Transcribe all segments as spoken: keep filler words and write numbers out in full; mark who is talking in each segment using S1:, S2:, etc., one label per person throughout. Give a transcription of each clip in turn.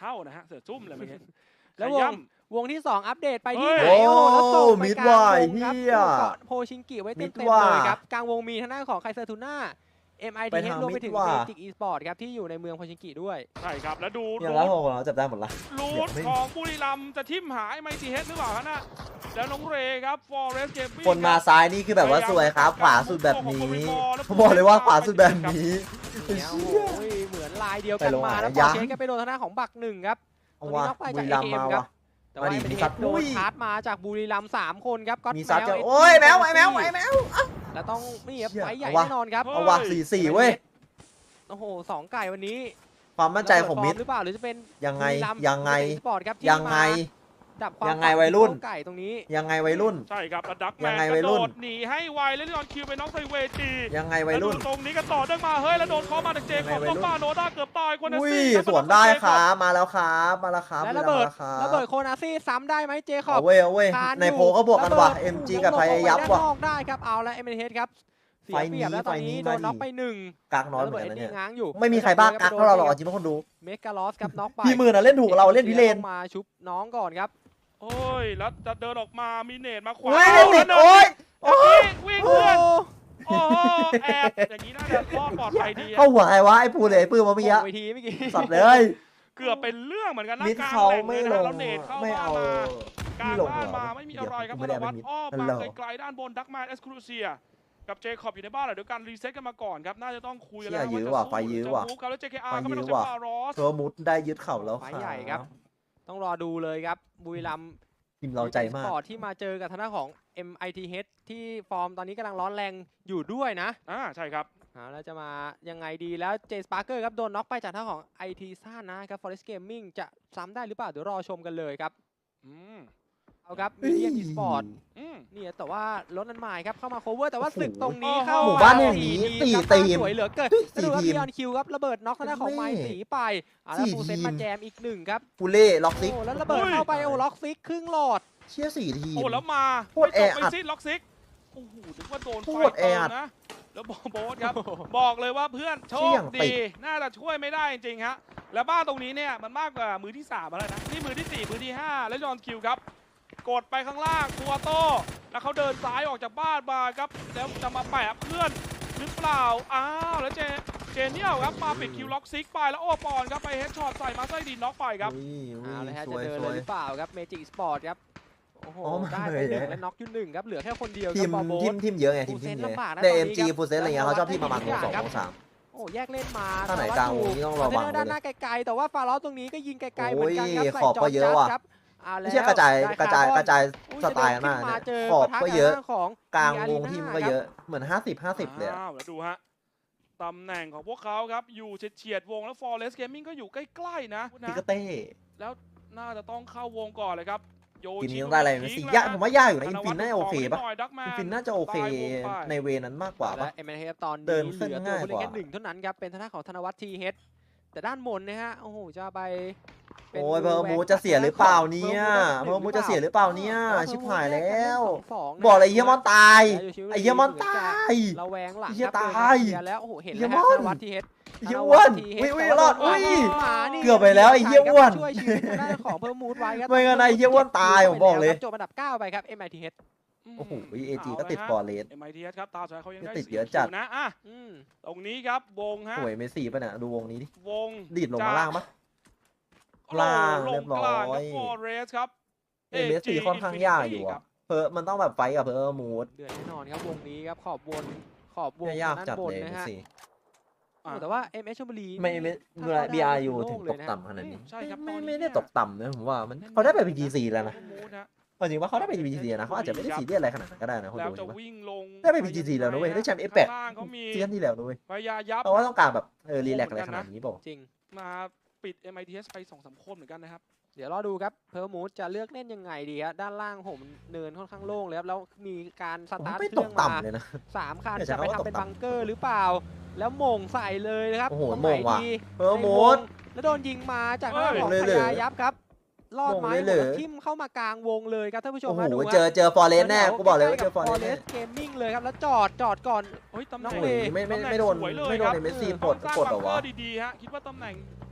S1: เข้านะฮะเสือซุ่มเลยเมื่อกี้
S2: แล้ววงวงที่สองอัปเดตไปที่
S1: เฮ้ย
S2: ไหนโอ้แล้วส่งไป
S3: มิด
S2: กลาง
S3: ว่ะ
S2: วงครับ
S3: เหี้ย
S2: เกาะโพชิงกิไว้
S3: มิ
S2: เต็
S3: ด
S2: มๆ
S3: ว่ะ
S2: เลยครับกลางวงมีทางด้านของไคเซอร์ทูน่า เอ็ม ไอ ที
S3: ไป
S2: เอช
S3: ทาง
S2: รวมไป
S3: มิด
S2: ถึง
S3: ว่ะ
S2: เมจิกอีสปอร์ตครับที่อยู่ในเมืองโพชิงกิด้วย
S1: ใช่ครับแล้วดู
S3: เนี่ย
S1: รู
S3: แล้ว
S1: ท
S3: พอเราจับได้หมดละ
S1: รู
S3: เดี๋ย
S1: ท
S3: วไม่
S1: ของบุรีรัมย์จะทิมหายไมทีเฮดหรือเปล่าฮะน่ะแล้วน้องเรครับฟอร์เรสเกมมิ่ง
S3: คนมาซ้ายนี่คือแบบว่าสวยครับ ขวาสุดแบบนี้ผมบอกเลยว่าขวาสุดแบบนี้
S2: เนี่ยโอ้โหเหมือนลายเดียวกัน
S3: ไปลง
S2: มา
S3: หา
S2: แล้ว
S3: ยั
S2: พอง เชนก็ไปโดนทางด้านของบักหนึ่งครับ
S3: เอาว่ะ
S2: ตรงนี้น็อกไป
S3: บุ
S2: จาก
S3: รี
S2: เอ
S3: รัมย์
S2: เค
S3: มา
S2: ครับ
S3: ว่ะ
S2: แต่ว่า
S3: มาดิ
S2: เป็น
S3: มี
S2: เฮ
S3: ซั
S2: ด
S3: ด
S2: โด
S3: อุ้
S2: น
S3: ย
S2: ชาร์จมาจากบุรีรัมย์สามคนครับก็
S3: มีซัดจะ
S2: แมว
S3: โอ้ยแมวไอ้แมวไอ้แมว
S2: แล้วต้องนี่ครับ
S3: เชี่ย
S2: ไฟใหญ่
S3: เอาวะ
S2: แน่นอนครับ
S3: เอาว่ะสี่สี่เว้ย
S2: โอ้โหสองไก่วันนี้
S3: ความมั่นใจของมิด
S2: ระเบิดฟร์หรือเปล่าหรือจะเป็น
S3: ยังไง
S2: บุรีรัม
S3: ยังไง
S2: สปอร์ตครับที่
S3: ยังไง
S2: มาดับความ
S3: ยังไงวัยรุ่น
S2: ไก่ตรงนี้
S3: ยังไงวัยรุ่น
S1: ใช่ครับแล้วดักแม
S3: ยั
S1: น
S3: งไง
S1: ก
S3: วั
S1: ระ
S3: ย
S1: โด
S3: รุ่น
S1: ดหนีให้ไวแล้วลีออนคิวไปน็อกไซเวจี
S3: ยังไงวัยรุ่น
S1: แล้วดูตรงนี้ก็ต่อเนื่องมาเฮ้ยแล้วโดนเคอมาจากเจคอบ
S3: ยังไงวั
S1: ต้
S3: ยรุ่
S1: อน งมาโนด้าเกือบตายคนนั้น
S3: อุ้ย
S1: ซี่ครับ
S3: สวนได้ครับมาแล้วครับมาแล้วครับ
S2: และระเบิด
S3: มาแล้วค
S2: ระเบิดโคนาซี่ซ้ำได้ไหมเจคอบ
S3: เอาเว้ยเอาเว้ย
S2: คาน
S3: ใน
S2: อยู่
S3: โพลก็บวกกันว่ะ
S2: ระเบิด
S3: เอ็ม จี กับไทยยับว่ะ
S2: ด้านนอกได้ครับเอาแล้วเอ็มเอชครับเสีย
S3: ไฟ
S2: เปรียบแล้วตอนนี้
S3: นี้
S2: โดน
S3: มาดิ
S2: น็อกไปหนึ่ง
S3: กากน้อยเหมื
S2: ระ
S3: อน
S2: เบิด
S3: กัน
S2: เอ็
S3: นะ
S2: น
S3: เนี่ย
S2: ดี้ง้างอยู่
S3: ไม่มีใครบ้ากากเท่าเราหรอกจริงๆคนดู
S2: เมกาลอสครับน็อกไป
S3: พี่หมื่นอะเล่นถูกกับเราเล่นพิเรน
S2: มาชุบน้องก่อนครับ
S1: โอ้ยแล้วจะเดินออกมามีเนตมาขวา
S3: เฮ้ยเล่นติดโอ้ย
S1: โอ้ยวิ่ง
S2: โอ้
S1: เพื่อนโอ้โหแอบอย่างนี้น่าจะรอดปลอดภัยดีอะ
S3: เข้าหัวใครวะไอ้ปูเลยไอ้ปื้มมาเมื่อกี้
S2: เวทีเมื่อกี้
S3: สัตว์เลย
S1: เกือบเป็นเรื่องเหมือนกันนะ
S3: มิด
S1: กลาง
S3: เขา
S1: แหล่ง
S3: ไม่
S1: เลย
S3: ล
S1: นะ
S3: ง
S1: แล้วเนตเข้า
S3: ไม่
S1: บ้าน
S3: เอา
S1: มากลาง
S3: ไม่ลง
S1: บ้าน
S3: เหรอ
S1: มาไม่มีอะไรครับ
S3: ไม่
S1: ธ
S3: ได้
S1: นวัฒ
S3: ไม่
S1: น์
S3: ได้
S1: อ้อม
S3: นั่น
S1: มา
S3: เหรอ
S1: ไกลๆด้านบนดักแมนเอสครูเซียกับเจคอบอยู่ในบ้านเหรอเดี๋ยวการรีเซ็ตกันมาก่อนครับน่าจะต้องคุยกันแล้ว
S3: เชี่ยยื้อ
S1: ว่า
S3: ว่ะ
S1: จะ
S3: ไฟยื้อ
S1: จะ
S3: ว่ะ
S1: มูฟครับแล้ว เจ เค อาร์
S3: ไฟ
S1: ก็ไม่ต้อง
S3: ยื้
S1: ใช้
S3: อว่ะ
S1: ฟารอส
S3: ตัวมุดได้ยึดเข่าแล้ว
S2: ไฟใหญ่ครับ ต้องรอดูเลยครับบุรีรัมย์
S3: ทีมเราใจมาก
S2: สปอร์ตที่มาเจอกับทางด้านของ เอ็ม ไอ ที เอช ที่ฟอร์มตอนนี้กำลังร้อนแรงอยู่ด้วยนะ
S1: อ่าใช่ครับ
S2: เอาแล้วจะมายังไงดีแล้วเจสปาร์เกอร์ครับโดนน็อกไปจากทางของ ไอ ที ซ่านะครับ Forest Gaming จะซ้ำได้หรือเปล่าเดี๋ยวรอชมกันเลยครับ
S1: อืม
S2: เอาครับมีเดียมอีสปอร์ต
S1: อืม
S2: นี่แต่ว่ารถนั้นหมายครับเข้ามา cover แต่ว่า
S3: โอ้โห
S2: ศึกตรงนี้เข้า
S3: หมู่บ้านอย่างนี้
S2: ดี
S3: สี่
S2: ครับ
S3: ทีม
S2: สวยเหลือเกิน
S3: สี่
S2: แล้วดูครับ
S3: ทีม
S2: พีออนคิวครับระเบิดน็อกทางด้านของไม้สีไปเอาแล้ว
S3: สี่
S2: ฟูเซน
S3: ทีม
S2: มาแจมอีกหนึ่งครับ
S3: ปูเล่ล็อกซิก
S2: โอ้แล้วระเบิดเข้าไปโอ้ล็อกซิกครึ่งหลอด
S3: เชี่ยสี่ทีม
S1: โอ้แล้วมา
S3: โคตร
S1: ไม่จบ
S3: แออั
S1: ไม่
S3: ด
S1: สิ้นล็อกซิกโอ้โหนึกว่าโดนไฟ
S3: โคตรแอ
S1: เติม
S3: อัด
S1: นะแล้วบอโบสครับ บอกเลยว่าเพื่อนโช
S3: เชี่
S1: ค
S3: ยงติ
S1: ดี
S3: ด
S1: น่าจะช่วยไม่ได้จริงๆฮะแล้วบ้านตรงนี้เนี่ยมันมากกว่ามือที่สามแล้วนะนี่มือที่สี่มือที่ห้าแล้วยอนคิวครับกดไปข้างล่างตัวโต้แล้วเขาเดินซ้ายออกจากบ้านมาครับแล้วจะมาแปะเพื่อนหรือเปล่าอ้าวแล้วเจเจเนียลครับมาปิดคิวล็อกซิกไปแล้วโอปอนครับไปเฮดช็อตใส่มาไส้ดีน็อกไปครับ
S3: อุ้ยอุ้ย
S2: เอาเลยฮะ
S3: ส
S2: จะ
S3: วย
S2: เดิน
S3: ส
S2: เล
S3: วย ย
S2: หรือเปล่าครับเมจิกสปอร์ตครับโอ้โห
S3: อ๋อมา
S2: ได้
S3: เล
S2: ไป
S3: ย
S2: หนึ่ง
S3: เนี่ย
S2: และน็อกอยู่หนึ่งครับเหลือแค่คนเดียว
S3: ที
S2: ค
S3: ม
S2: รับบอโบ
S3: ที
S2: ส
S3: มทีมเยอะไงทีม
S2: ฟูเซ
S3: ที
S2: น
S3: มเยอะ
S2: ลำบากนะ
S3: แต่
S2: ตอนนี้
S3: เอ็มจี
S2: ครับ
S3: ฟูเซนอะไรเงี้ยเขาชอบที่ประมาณ
S2: แล้ว
S3: วงสอง
S2: ครับ
S3: วงสาม
S2: โอ้แยกเล่นมา
S3: ถ้าไหน
S2: แต่ว่
S3: กลางวง
S2: ถู
S3: นี่ต้องระวัง
S2: คอนเทนเนอร์ด้านหน้าไกลๆแต่ว่าฟาร้อตรงนี้ก็ยิงไกลๆเหมือนกันครับ
S3: โอ้ย
S2: ใส่
S3: ขอบ
S2: จอ
S3: ก็
S2: ร์
S3: เย
S2: จั
S3: อะ
S2: ส
S3: ว่ะ
S2: ครับเอาแล้ว
S3: ไม่ใช่กระจาย
S2: ได้
S3: กระจาย
S2: คบ
S3: กระจาย
S2: อุ้
S3: สไตล์
S2: จะ
S3: มาก
S2: เดิน
S3: นะ
S2: ขึ้นเจอ
S3: ขอบ
S2: ปะทะ
S3: ก็เยอะ
S2: บทางของ
S3: กลาง
S2: มี
S3: วง
S2: Arena
S3: ทีมก็เยอะเหมือนห้าสิบห้าสิบเลยอะ
S1: อ้าวแล้วดูฮะตำแหน่งของพวกเขาครับอยู่เฉียดๆวงแล้ว Forest Gaming ก็อยู่ใกล้ๆนะ
S3: พิ
S1: นะ
S3: กาเต้
S1: แล้วน่าจะต้องเข้าวงก่อนเลยครับโย
S3: ทีม
S1: ชิ
S3: นี้ต้องได้อะไรไหมสิยากผมว่ายากอยู่นะอินฟินน่าจะโอเคปะ อินฟินน่าจะโอเคในเวนั้นมากกว่า
S2: และ
S3: ปะ
S2: เอ็มเอเตอน
S3: เดิ
S2: นี้
S3: น
S2: เห
S3: ขึ้น
S2: ลือตัว
S3: ง่าย
S2: ผู้เล่น
S3: กว่า
S2: แค่หนึ่งเท่านั้นครับเป็นทางด้านของธนวัฒน์ทีเฮดแต่ด้านบนนะฮะโอ้โหจะไปป็น
S3: โอ้ยเพอร์มู
S2: แวน
S3: จะเสียหรือเปล่าเนี่ย
S2: เพ
S3: เพ
S2: อ
S3: อ
S2: ร์
S3: ร์
S2: มู
S3: มู
S2: จะ
S3: จะ
S2: เสี
S3: เสี
S2: ย
S3: ย
S2: ห
S3: ห
S2: รื
S3: รือ อ
S2: เป
S3: เป
S2: ล่า
S3: ล่า
S2: เนี่
S3: เนี่ย ย
S2: ชิ
S3: ชิ
S2: บบ หา
S3: หาย ย
S2: แล้
S3: แล้ว ว
S2: สอง
S3: บอกเลยไอ้เฮียมอนตาย ไอ้เหี้ยมอนตาย
S2: ระแวงหลัง
S3: ไอ้เหี้ย
S2: ครับ
S3: ตาย
S2: เดินเข้เคลีร์แล้วโอ้โหเห็น
S3: ไอ้เหี้
S2: แล้ว
S3: ย
S2: ฮะ
S3: มอน
S2: ธนวัฒน์ทีเฮด
S3: ไอ้เฮียอ้วน
S2: ธน
S3: อุ้ย
S2: วั
S3: อุ้ย
S2: ฒน์
S3: รอด
S2: ที
S3: อุ้
S2: เฮ
S3: ย
S2: แต่ว่าโดนหมานี่
S3: เกือบไปแล้วไอ้เหี้ยอ้วน
S2: ช่วยชีวิตทางด้านของเพิ่มมูดไว้ครับ
S3: ไม่งั้นไอ้เหี้ยอ้วนตายผมบอกเลย
S2: จบอันดับเก้าไปครับ เอ็ม ไอ ที เอช
S3: โอ้โหเอจีก็ติดฟอร์เรส
S1: เอ็มไอทีเอสครับตาสุดท้ายเขายังได้
S3: ติด
S1: สี่
S3: เยอะจัด
S1: คิวนะอ่ะ
S2: อืม
S1: ตรงนี้ครับวงฮะ
S3: สวยเมสซี่ป่ะเนี่ยดูวงนี้ดิ
S1: วง
S3: ดีดลงมาล่างปะ
S1: โ
S3: ล่าง
S1: ล
S3: เรี
S1: ง
S3: ยบร้
S1: ก
S3: อย
S1: ลางครับฟอร์เรสครับ
S3: เอเมสซี่ค่อนข้างยากอยู่อะเพอมันต้องแบบไฟกับเพอร์มูด
S2: เดือดแน่นอนครับวงนี้ครับขอบวนขอบวง
S3: เนี่ยยาก
S2: ด้าน
S3: จัด
S2: บน
S3: เลย
S2: นะ
S3: เมส
S2: ฮะ
S3: ซี่
S2: โอ้แต่ว่า เอ็ม เอช ชลบุรี
S3: ไม่เมส
S2: ถ้าเขาได้
S3: บีอาร์ยู
S2: โล่
S3: ถึง
S2: เล
S3: ต
S2: ย
S3: ก
S2: นะ
S3: ต่ำขนาดนี้
S1: ใช่ครับ
S3: ไม่
S1: ตอนนี้
S3: ไม่ได้
S1: เนี่ย
S3: ตกต่ำนะผมว่ามันเขาได้ไปพีจีซีแล้วนะ
S1: มูดฮะ
S3: จริงว่าเขาได้ไปพีจีซีนะเขาอาจจะไม่ได้ซีเรียสอะไรขนาดนั้นก็ได้นะคน
S1: แล้ว
S3: ดู
S1: จะ
S3: ใช่ปะ
S1: วิ่งลง
S3: ได้ไป พี จี ซี แล้วนะเว้ยได้แชมป์ เอฟ แปด
S1: ข้างล่างเขามี
S3: ซีซั่นที่แล้วด้วย
S1: พยายับ
S3: เพราะว่าต้องการแบบเออรีแลกซ์อะไรขนาดนี้เปล่า
S2: จริง
S1: มาปิด เอ็ม ไอ ที เอส ไปสองสามคนเหมือนกันนะครับ
S2: เดี๋ยวรอดูครับเพิ่มมูดจะเลือกเล่นยังไงดีครับด้านล่างผมเนินค่อนข้างโล่งเลยครับแล้วมีการส
S3: ผม
S2: ตาร์ท
S3: ไม่
S2: เค
S3: ต
S2: รื่
S3: ก
S2: องมา
S3: ต่ำเลยนะ
S2: สามคัน
S3: เนี่ยใช้
S2: จะไป
S3: คำว่า
S2: ทำเป็น
S3: ตกต่ำ
S2: บังเกอร์หรือเปล่า แล้วโหม่งใส่เลยนะครับ
S3: โอ้โห
S2: ตรงไหน
S3: โหม่งว่ะ
S2: ดี
S3: เพอร์มูด
S2: แล้วโดนยิงมาจากทางด้านของ
S3: เฮ้ย
S2: พ
S3: เลยเหรอ
S2: ยายับครับลอดไม้
S3: โหม่งเลยเหรอ
S2: แล้วทิ่มเข้ามากลางวงเลยครับท่านผู้ชม
S3: โอ้โห
S2: มาดู
S3: เจอเจอฟอร์เรสแน่กูบอกเลยว่าเจอฟอร์เรสแน่
S2: เกมมิ่งเลยครับแล้วจอดจอดก่อน
S1: เฮ้ยตำแห
S2: น้
S1: น่
S2: อง ง
S3: โอ้
S2: เว
S3: ยไม่ไม่ไม่โดน
S1: ตำแหงสวยเลย
S3: ไม่โดน
S1: ครับ
S3: ในเมสซี่
S1: ต้
S3: ปล
S1: อง
S3: ด
S1: สร้าง
S3: ปลด
S1: บั
S3: เหรง อ
S1: เกอ
S3: วะ
S1: ร์ดีๆฮะคิดว่าตำแหน่ง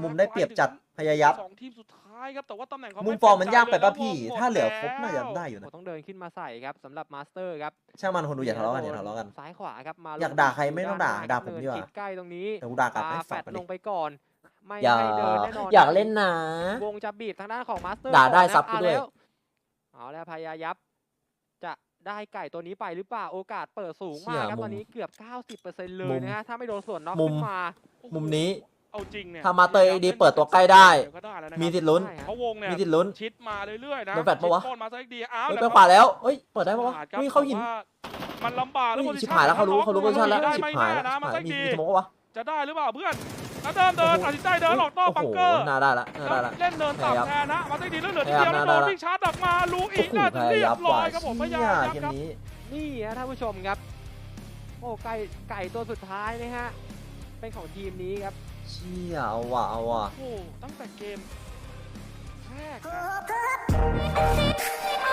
S3: มุมได้เปรียบจัดพยายาม
S1: สองทีมสุดท้ายายครับแต่ว่าตำแหน่งเขา
S3: มุม
S1: ไ
S3: ฟอร์มมันยากไป
S1: เป็
S3: ป่ะ
S1: นใจ
S3: พี่
S1: เลย
S3: ถ้าเหลือครบ
S1: วงมด
S3: น่าจะ
S1: แล้ว
S3: ได้อยู่นะ
S2: โอ้ต้องเดินขึ้นมาใส่ครับสำหรับมาสเตอร์ครับ
S3: ช่างมันคนดูอย่าทะเลาะกันอย่าทะเลาะกัน
S2: ซ้ายขวาครับมา
S3: อยากด่าใครไม่ต้องด่า
S2: ล
S3: ด่าผมดีกว่า
S2: เนินใกล้ตรงนี้
S3: แต่กูด่ากลับ
S2: ปา
S3: ให้
S2: แฟ
S3: สับ
S2: ด
S3: ไป
S2: ล
S3: ดิ
S2: งไปก่อน ไม่
S4: อย่า
S2: ให้เดินแน่นอน
S4: อยากเล่นนะ
S2: วงจะบีบทางด้านของมาสเตอร์
S4: ด่าได้
S2: ก่อนนะ
S4: ซับกูด้วย
S2: เอาแล้วเอาแล้วพยายับจะได้ไก่ตัวนี้ไปหรือเปล่าโอกาสเปิดสูงมากครับ
S4: เชี่ยมุม
S2: ตอนนี้เกือบ เก้าสิบเปอร์เซ็นต์ เลย
S4: มุม
S2: นะฮะถ้าไม่โดนส่วนน็อก
S4: มุม
S2: ขึ้นมา
S4: มุมนี้
S1: เอาจริงเนี่ย
S4: ถ้ามาเตยดีเปิดตัวใกล้ได้
S1: ก็ได้แล้วนะครับ
S4: มีสิทธิ์ลุ้น
S2: ใช่ฮะ
S1: เพราะวงเนี่ย
S4: มีสิทธิ์ลุ้น
S1: ชิดมาเรื่อยๆนะ
S4: โดนแฟลชปะวะ
S1: ชิดโค่นมาซะดีอ้าว
S4: เฮ้ย
S1: แต่
S4: ไปขวาแล้วเฮ้ยเปิดได้ปะวะ
S1: ขาดครับ
S4: เฮ้ยเข้าหิน
S1: แต่ว่ามันลำบากแล้ว
S4: เฮ้ย
S1: position
S4: ชิบหายแล้วเขารู้เขารู้
S1: ล็อก
S4: โพซิชั่นแล้ว
S1: ได้
S4: ชิบ
S1: ไม่
S4: หาย
S1: แน่
S4: แล้ว
S1: นะ
S4: ชิบ
S1: มา
S4: หาย
S1: ซะ
S4: มี
S1: ดี
S4: มีสโมกวะ
S1: จะได้หรือเปล่าเพื่อนแล้วเดินเดินตัดสินใจเดินออกนอก
S4: โอ้
S1: บัง
S4: โห
S1: เกอร์
S4: น่าได้ละน่า
S1: แล้ว
S4: ได้ละ
S1: เล่นเนิน
S4: พยายาม
S1: ต่ำแทนนะมาซะดีแล้วเหลือ
S4: พ
S1: ที
S4: ยายาม
S1: เดียวแล้วโด
S4: น่าได้
S1: น
S4: ละ
S1: วิ่งชาร์จออกมาลู
S3: โอ้
S1: อีก
S3: โห
S1: น่า
S3: พ
S1: จะเรี
S3: ยาย ยาม
S1: บร้
S3: ว่ะ
S1: อยครับผมพ
S3: เชี่
S1: ยาย ยาม
S3: เกม
S1: ครับ
S3: นี้
S2: นี่ฮะท่านผู้ชมครับ โอ้ไก่ไก่ตัวสุดท้ายนะฮะเป็นของทีมนี้ครับ
S3: เชี่ยเอาว่ะเอาว่ะ
S1: โอ้โหตั้งแต่เกมแรกนะ